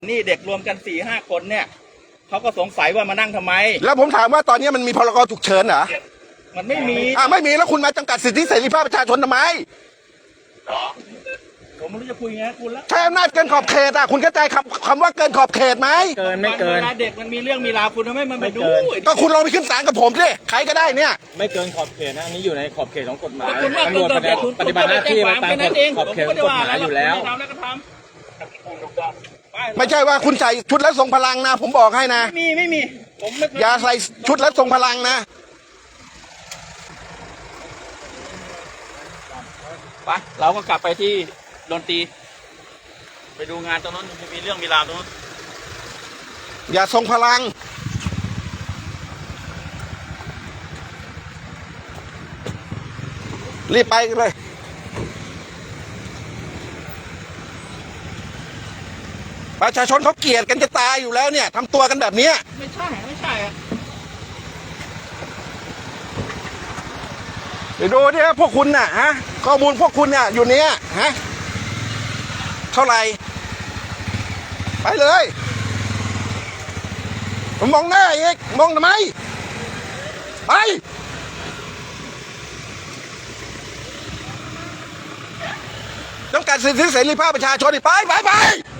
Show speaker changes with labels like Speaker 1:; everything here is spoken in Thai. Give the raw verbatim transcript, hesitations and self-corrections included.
Speaker 1: นี่เด็กรวมกันสี่ห้าคนเนี่ยเขาก็สงสัยว่ามานั่งทำไม
Speaker 2: แล้วผมถามว่าตอนนี้มันมีพรกฉุกเฉินเหรอ
Speaker 1: มันไม่มี
Speaker 2: อ่าไม่มีแล้วคุณมาจำกัดสิทธิเสรีภาพประชาชนทำไม
Speaker 1: ผมไม่รู้จะคุยไงคุณละ
Speaker 2: ใช้อำนาจเกินขอบเขตอ่ะคุณเข้าใจคำคำว่าเกินขอบเขตไหม
Speaker 3: เกินไม่เกิน
Speaker 1: เวลาเด็กมันมีเรื่องมีราวคุณทำไมมันไม่ดู
Speaker 2: ก็คุณลองไปขึ้นศาลกับผมสิใครก็ได้เนี่ย
Speaker 3: ไม่เกินขอบเขตนะอันนี้อยู่ในขอบเขตของกฎหมาย
Speaker 1: คุณว่า
Speaker 3: ตำรวจปฏิบัติหน้าที่มาตามขอบเขตของกฎหมายอยู่แล้ว
Speaker 2: ไม่ใช่ว่าคุณใส่ชุดแล้วทรงพลังนะผมบอกให้นะ
Speaker 1: ไม่มีไม่มีผมไม่
Speaker 2: อย่าใส่ชุดแล้วทรงพลังนะ
Speaker 1: ไปเราก็กลับไปที่ดนตรีไปดูงานตรงนั้นมีเรื่องมีราวตรงนั้น
Speaker 2: อย่าทรงพลังรีบไปเลยประชาชนเขาเกลียดกันจะตายอยู่แล้วเนี่ยทำตัวกันแบบนี้
Speaker 1: ไม่ใช่ไม่ใช่อะ
Speaker 2: เดี๋ยวดูดิพวกคุณน่ะฮะข้อมูลพวกคุณเนี่ยอยู่เนี้ยฮะเท่าไหร่ไปเลยผมมองหน้าอีกมองทำไมไปจำกัดสิทธิเสรีภาพประชาชนไปไปไป